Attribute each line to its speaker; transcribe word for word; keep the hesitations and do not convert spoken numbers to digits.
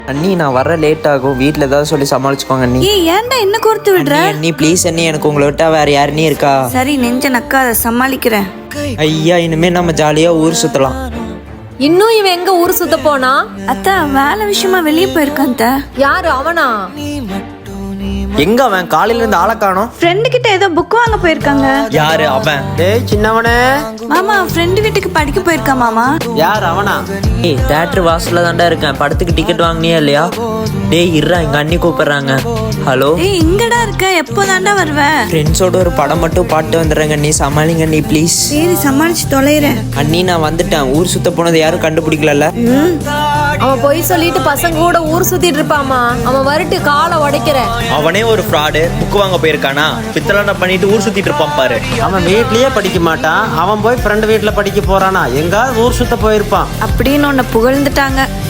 Speaker 1: அண்ணி நான் வர லேட் ஆகும், வீட்டில் ஏதாவது சொல்லி சமாளிச்சுக்கோங்க அண்ணி.
Speaker 2: ஏய் ஏன்டா என்ன கோர்த்து விடுற?
Speaker 1: அண்ணி ப்ளீஸ் அண்ணி, எனக்கு உங்களை விட்டா வேற யாருனே இருக்கா?
Speaker 2: சரி நெஞ்ச நக்காத, சமாளிக்கிறேன்.
Speaker 1: ஐயா இனிமே நம்ம ஜாலியா ஊர் சுத்தலாம்.
Speaker 3: இன்னும் இவன் எங்க ஊர் சுத்த போனா?
Speaker 2: அத்தா வேலை விஷயமா வெளியே போயிருக்கான் அத்தை.
Speaker 3: யாரு அவனா?
Speaker 1: எங்க அவன்? காலையில இருந்து ஆளை காணோம்.
Speaker 2: ஃப்ரெண்டு கிட்ட ஏதோ புக் வாங்க போயிருக்காங்க.
Speaker 1: யாரு அவன்?
Speaker 4: டேய் சின்னவனே.
Speaker 2: மாமா ஃப்ரெண்டு வீட்டுக்கு படிக்க போயிருக்கா மாமா.
Speaker 4: யார் அவனா?
Speaker 1: ஏய் தியேட்டர் வாசல்ல தான்டா இருக்கேன், படத்துக்கு டிக்கெட் வாங்கினியா இல்லையா? டேய் இருடா, எங்க அண்ணி கூப்பிடுறாங்க. ஹலோ
Speaker 2: ஏய் இங்கடா இருக்க, எப்போ தாண்டா வருவ?
Speaker 1: ஃப்ரெண்ட்ஸோட ஒரு படம் மட்டும் பாட்டு வந்துடுறேங்க, நீ சமாளிங்க நீ ப்ளீஸ்.
Speaker 2: சரி சமாளிச்சு தொலைறேன்.
Speaker 1: அண்ணி நான் வந்துட்டேன், ஊர் சுத்த போனது யாரும் கண்டுபிடிக்கல.
Speaker 3: அவன் பொய் சொல்லிட்டு பசங்க கூட ஊர் சுத்திட்டு இருப்பாமா. அவன் வரட்டு காலை உடைக்கிறேன்.
Speaker 5: அவனே ஒரு ஃப்ராடு, புக் வாங்க போயிருக்கானா, பித்தலாட்டம் பண்ணிட்டு ஊர் சுத்திட்டு இருப்பான் பாரு.
Speaker 4: அவன் வீட்லயே படிக்க மாட்டான், அவன் போய் ஃப்ரெண்டு வீட்டுல படிக்க போறானா? எங்காவது ஊர் சுத்த போயிருப்பான்
Speaker 2: அப்படின்னு உன்னை புகழ்ந்துட்டாங்க.